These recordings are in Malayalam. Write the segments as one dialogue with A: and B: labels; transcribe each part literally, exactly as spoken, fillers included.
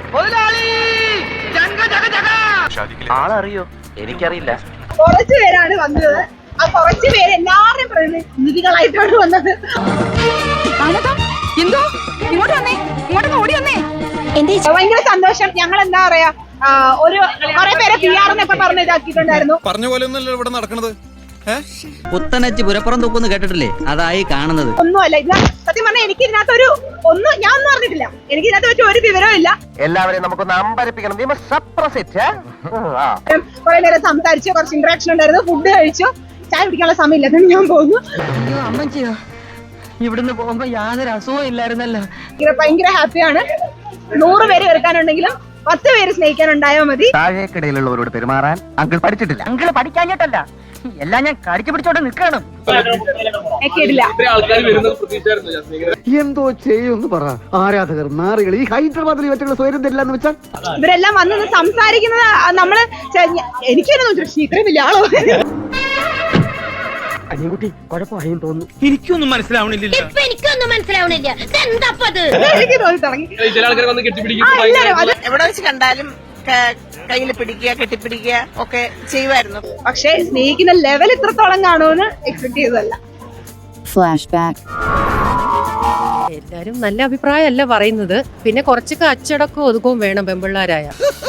A: ആളറിയോ? എനിക്കറിയില്ല.
B: കുറച്ചു പേരാണ് വന്നത്. ആ കുറച്ചു പേര് എല്ലാവരുടെയും പ്രതിനിധികളായിട്ടാണ് വന്നത്.
C: എന്തോ ഇങ്ങോട്ട് വന്നേ, ഇങ്ങോട്ട് ഓടി വന്നേ.
B: ഭയങ്കര സന്തോഷം. ഞങ്ങൾ എന്താ പറയാ, ഒരു കുറെ പേരെ പി ആറിനൊക്കെ പറഞ്ഞ് ഇതാക്കിയിട്ടുണ്ടായിരുന്നു.
D: പറഞ്ഞ പോലെ ഒന്നല്ലോ ഇവിടെ നടക്കണത്.
E: പുത്തനച്ച് പുരപ്പുറം തൂക്കുന്നു കേട്ടിട്ടില്ലേ? അതായി കാണുന്നത്.
B: ഒന്നുമല്ല ഇത്. സത്യം പറഞ്ഞാൽ എനിക്ക് ഇതിനകത്തൊരു ഒന്നും ഞാൻ ഒന്നും അറിഞ്ഞിട്ടില്ല. എനിക്ക് ഇതിനകത്ത് വെച്ച് ഒരു വിവരവും ഇല്ല.
A: എല്ലാവരെയും നമുക്കൊന്ന് അമ്പരപ്പിക്കണം.
B: കുറെ നേരം സംസാരിച്ചു, കുറച്ച് ഇന്ററാക്ഷൻ ഉണ്ടായിരുന്നു, ഫുഡ് കഴിച്ചു. ചായ കുടിക്കാനുള്ള സമയമില്ല, ഞാൻ പോകുന്നു.
E: അമ്മച്ചിയോ, ഇവിടുന്ന് പോകുമ്പോ യാതൊരു അസുഖവും ഇല്ലായിരുന്നല്ലോ.
B: ഭയങ്കര ഹാപ്പിയാണ്. നൂറ് പേര് വെറുക്കാനുണ്ടെങ്കിലും പത്ത് പേര് സ്നേഹിക്കാനുണ്ടായാൽ മതി.
A: താഴേക്കിടയിലുള്ളവരോട് പെരുമാറാൻ അങ്കിൾ പഠിച്ചിട്ടില്ല.
E: അങ്കിൾ പഠിക്കാഞ്ഞിട്ടല്ല, എല്ലാം ഞാൻ കടിച്ചു പിടിച്ചോണ്ട് നിൽക്കണം.
F: എന്തോ ചെയ്യുമെന്ന് പറ. ആരാധകർ, നാറികൾ, ഈ ഹൈദരാബാദിൽ ഇവറ്റുള്ള സ്വയം തരില്ലെന്ന് വെച്ചാൽ
B: ഇവരെല്ലാം വന്ന് സംസാരിക്കുന്നത് നമ്മള് എനിക്കൊന്നും ഇത്രയും വലിയ ആളോ.
F: അനിയൻകുട്ടി കുഴപ്പമായും തോന്നുന്നു.
D: എനിക്കൊന്നും മനസ്സിലാവണില്ല.
G: എനിക്കൊന്നും മനസ്സിലാവണില്ല.
B: എനിക്ക് തോന്നി തുടങ്ങി.
H: എവിടെ വെച്ച് കണ്ടാലും കയ്യിൽ പിടിക്കുക, കെട്ടിപ്പിടിക്കുക ഒക്കെ ചെയ്യുമായിരുന്നു.
B: പക്ഷെ സ്നേഹിക്കുന്ന ലെവൽ ഇത്രത്തോളം കാണുമെന്ന് എക്സ്പെക്ട് ചെയ്തതല്ല.
G: Flashback.
I: എല്ലാരും നല്ല അഭിപ്രായമല്ല പറയുന്നത്. പിന്നെ കുറച്ചൊക്കെ അച്ചടക്കവും ഒതുക്കവും വേണം പെമ്പിള്ളാരായ.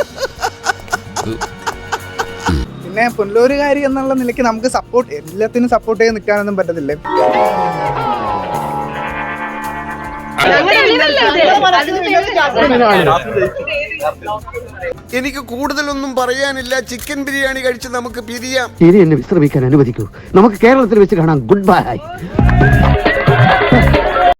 J: പിന്നെ പുനലൂരുകാരി എന്നുള്ള നിലയ്ക്ക് നമുക്ക് സപ്പോർട്ട്, എല്ലാത്തിനും സപ്പോർട്ട് ചെയ്ത് നിൽക്കാനൊന്നും പറ്റത്തില്ലേ.
D: എനിക്ക് കൂടുതലൊന്നും പറയാനില്ല. ചിക്കൻ ബിരിയാണി കഴിച്ച് നമുക്ക് പിരിയാം.
F: ഇനി എന്നെ വിശ്രമിക്കാൻ അനുവദിക്കൂ. നമുക്ക് കേരളത്തിൽ വെച്ച് കാണാം. Good bye.